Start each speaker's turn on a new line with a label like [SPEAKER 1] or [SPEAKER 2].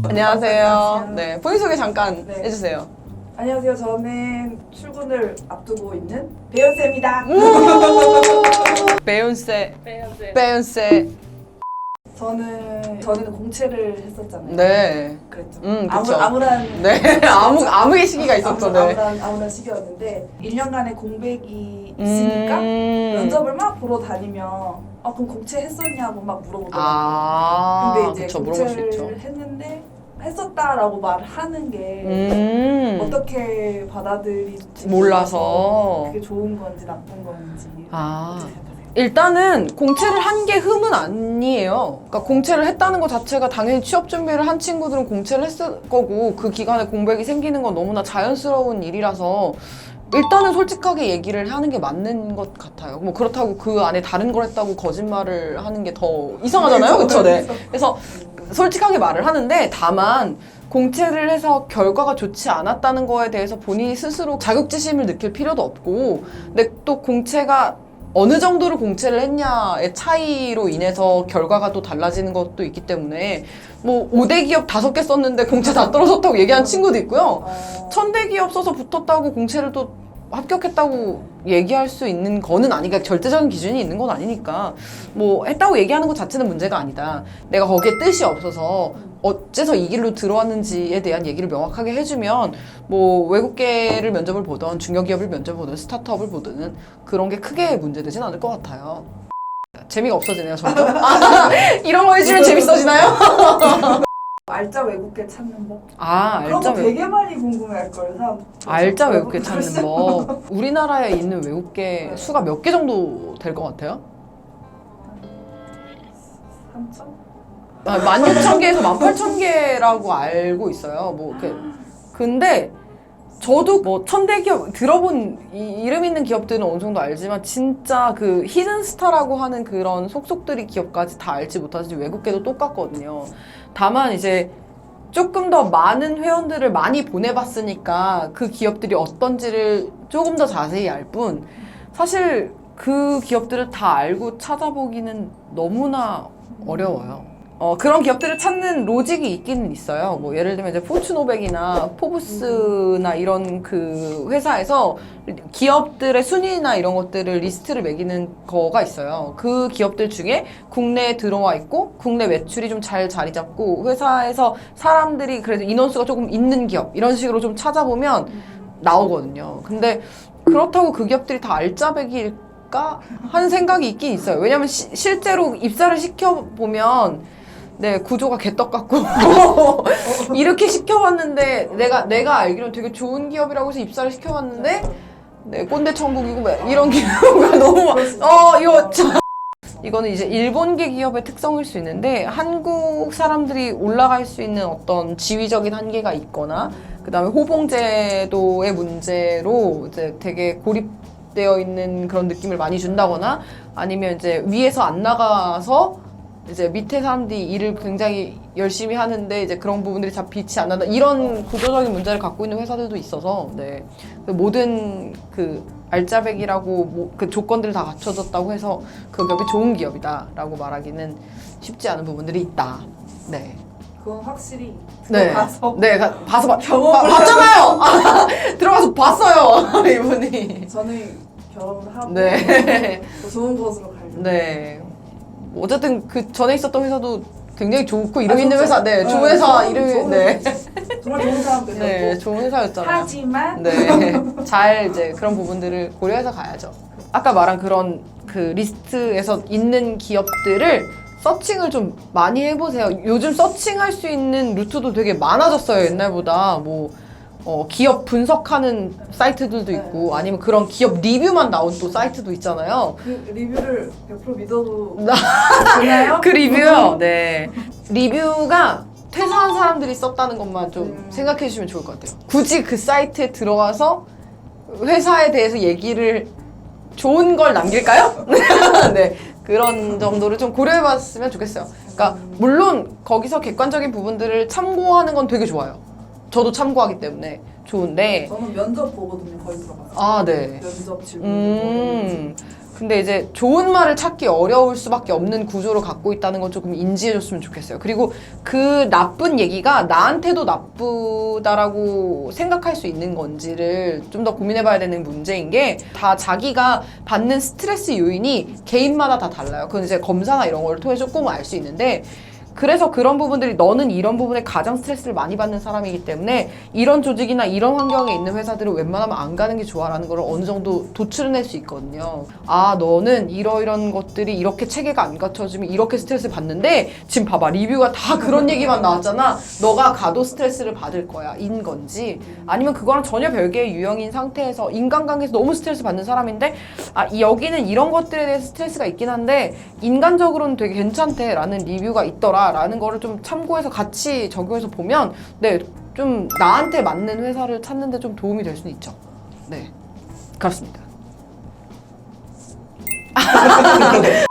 [SPEAKER 1] 안녕하세요. 네, 본인 소개 잠깐
[SPEAKER 2] 네.
[SPEAKER 1] 해주세요.
[SPEAKER 2] 안녕하세요. 저는 출근을 앞두고 있는 배현세입니다.
[SPEAKER 1] 배윤세. 배윤세.
[SPEAKER 2] 저는 공채를 했었잖아요.
[SPEAKER 1] 네.
[SPEAKER 2] 그랬죠.
[SPEAKER 1] 그쵸.
[SPEAKER 2] 암울한
[SPEAKER 1] 네, 암흑의 시기가 있었죠. 네.
[SPEAKER 2] 암울한 시기였는데 1년간의 공백이 있으니까 면접을 막 보러 다니면 그럼 공채 했었냐고 막 물어보더라고요. 근데 이제
[SPEAKER 1] 그쵸, 물어볼 수 있죠.
[SPEAKER 2] 공채를 했는데 했었다라고 말하는 게 어떻게 받아들일지
[SPEAKER 1] 몰라서.
[SPEAKER 2] 그게 좋은 건지 나쁜 건지
[SPEAKER 1] 일단은 공채를 한 게 흠은 아니에요. 그러니까 공채를 했다는 것 자체가 당연히 취업 준비를 한 친구들은 공채를 했을 거고 그 기간에 공백이 생기는 건 너무나 자연스러운 일이라서 일단은 솔직하게 얘기를 하는 게 맞는 것 같아요. 뭐 그렇다고 그 안에 다른 걸 했다고 거짓말을 하는 게 더 이상하잖아요. 그렇죠? 네. 그래서 솔직하게 말을 하는데 다만 공채를 해서 결과가 좋지 않았다는 거에 대해서 본인이 스스로 자격지심을 느낄 필요도 없고 근데 또 공채가 어느 정도로 공채를 했냐의 차이로 인해서 결과가 또 달라지는 것도 있기 때문에 뭐 5대 기업 5개 썼는데 공채 다 떨어졌다고 얘기하는 친구도 있고요. 1000대 기업 써서 붙었다고 공채를 또 합격했다고 얘기할 수 있는 거는 아니니까 절대적인 기준이 있는 건 아니니까 뭐 했다고 얘기하는 것 자체는 문제가 아니다. 내가 거기에 뜻이 없어서 어째서 이 길로 들어왔는지에 대한 얘기를 명확하게 해주면 뭐 외국계를 면접을 보던 중견기업을 면접을 보든 스타트업을 보든 그런 게 크게 문제되진 않을 것 같아요. 재미가 없어지네요 점점. 이런 거 해주면 재밌어지나요?
[SPEAKER 2] 알짜 외국계 찾는 법? 그런
[SPEAKER 1] 알짜
[SPEAKER 2] 거 되게 많이 궁금해할 걸 사람.
[SPEAKER 1] 알짜 외국계 찾는 법. 우리나라에 있는 외국계 수가 몇 개 정도 될 것 같아요?
[SPEAKER 2] 3천?
[SPEAKER 1] 16,000개에서 18,000개라고 알고 있어요. 뭐 이렇게. 근데 저도 뭐 1000대 기업 들어본 이름 있는 기업들은 어느 정도 알지만 진짜 그 히든 스타라고 하는 그런 속속들이 기업까지 다 알지 못하지 외국계도 똑같거든요. 다만 이제 조금 더 많은 회원들을 많이 보내봤으니까 그 기업들이 어떤지를 조금 더 자세히 알 뿐 사실 그 기업들을 다 알고 찾아보기는 너무나 어려워요. 그런 기업들을 찾는 로직이 있기는 있어요. 뭐 예를 들면 이제 포춘 500이나 포브스나 이런 그 회사에서 기업들의 순위나 이런 것들을 리스트를 매기는 거가 있어요. 그 기업들 중에 국내에 들어와 있고 국내 매출이 좀 잘 자리 잡고 회사에서 사람들이 그래도 인원수가 조금 있는 기업 이런 식으로 좀 찾아보면 나오거든요. 근데 그렇다고 그 기업들이 다 알짜배기일까 하는 생각이 있긴 있어요. 왜냐면 실제로 입사를 시켜보면 네, 구조가 개떡 같고 이렇게 시켜봤는데 내가 알기로는 되게 좋은 기업이라고 해서 입사를 시켜봤는데 네, 꼰대 천국이고 이런 기업가 너무 이거는 이제 일본계 기업의 특성일 수 있는데 한국 사람들이 올라갈 수 있는 어떤 지위적인 한계가 있거나 그 다음에 호봉제도의 문제로 이제 되게 고립되어 있는 그런 느낌을 많이 준다거나 아니면 이제 위에서 안 나가서 이제 밑에 사람들이 일을 굉장히 열심히 하는데 이제 그런 부분들이 잘 빛이 안 난다 이런 구조적인 문제를 갖고 있는 회사들도 있어서 네 모든 그 알짜배기라고 그 조건들이 다 갖춰졌다고 해서 그 기업이 좋은 기업이다라고 말하기는 쉽지 않은 부분들이 있다. 네.
[SPEAKER 2] 그건 확실히
[SPEAKER 1] 네.
[SPEAKER 2] 들어가서
[SPEAKER 1] 봐서
[SPEAKER 2] 경험을
[SPEAKER 1] 봤잖아요. 들어가서 봤어요 이분이.
[SPEAKER 2] 저는 결혼을 하고
[SPEAKER 1] 네.
[SPEAKER 2] 더 좋은 곳으로 가려고.
[SPEAKER 1] 네. 어쨌든 그 전에 있었던 회사도 굉장히 좋고 이름 있는
[SPEAKER 2] 좋죠.
[SPEAKER 1] 회사, 네, 좋은 회사 이름이, 네,
[SPEAKER 2] 정말 좋은 사람들이었고.
[SPEAKER 1] 네, 좋은 회사였잖아요.
[SPEAKER 2] 하지만
[SPEAKER 1] 네, 잘 이제 그런 부분들을 고려해서 가야죠. 아까 말한 그런 그 리스트에서 있는 기업들을 서칭을 좀 많이 해보세요. 요즘 서칭할 수 있는 루트도 되게 많아졌어요. 옛날보다 뭐. 기업 분석하는 사이트들도 있고 아니면 그런 기업 리뷰만 나온 또 사이트도 있잖아요.
[SPEAKER 2] 그 리뷰를 100% 믿어도 되나요?
[SPEAKER 1] 그 리뷰요? 네. 리뷰가 퇴사한 사람들이 썼다는 것만 좀 생각해 주시면 좋을 것 같아요. 굳이 그 사이트에 들어가서 회사에 대해서 얘기를 좋은 걸 남길까요? 네. 그런 정도를 좀 고려해 봤으면 좋겠어요. 그러니까 물론 거기서 객관적인 부분들을 참고하는 건 되게 좋아요. 저도 참고하기 때문에 좋은데
[SPEAKER 2] 저는 면접 보거든요. 거의 들어가서.
[SPEAKER 1] 네.
[SPEAKER 2] 면접 질문.
[SPEAKER 1] 근데 이제 좋은 말을 찾기 어려울 수밖에 없는 구조를 갖고 있다는 건 조금 인지해줬으면 좋겠어요. 그리고 그 나쁜 얘기가 나한테도 나쁘다라고 생각할 수 있는 건지를 좀 더 고민해봐야 되는 문제인 게 다 자기가 받는 스트레스 요인이 개인마다 다 달라요. 그건 이제 검사나 이런 걸 통해 조금 알 수 있는데 그래서 그런 부분들이 너는 이런 부분에 가장 스트레스를 많이 받는 사람이기 때문에 이런 조직이나 이런 환경에 있는 회사들은 웬만하면 안 가는 게 좋아라는 걸 어느 정도 도출해낼 수 있거든요. 아, 너는 이런 것들이 이렇게 체계가 안 갖춰지면 이렇게 스트레스를 받는데 지금 봐봐, 리뷰가 다 그런 얘기만 나왔잖아. 너가 가도 스트레스를 받을 거야. 인 건지 아니면 그거랑 전혀 별개의 유형인 상태에서 인간관계에서 너무 스트레스 받는 사람인데 여기는 이런 것들에 대해서 스트레스가 있긴 한데 인간적으로는 되게 괜찮대 라는 리뷰가 있더라 라는 거를 좀 참고해서 같이 적용해서 보면 네, 좀 나한테 맞는 회사를 찾는 데 좀 도움이 될 수는 있죠. 네, 그렇습니다.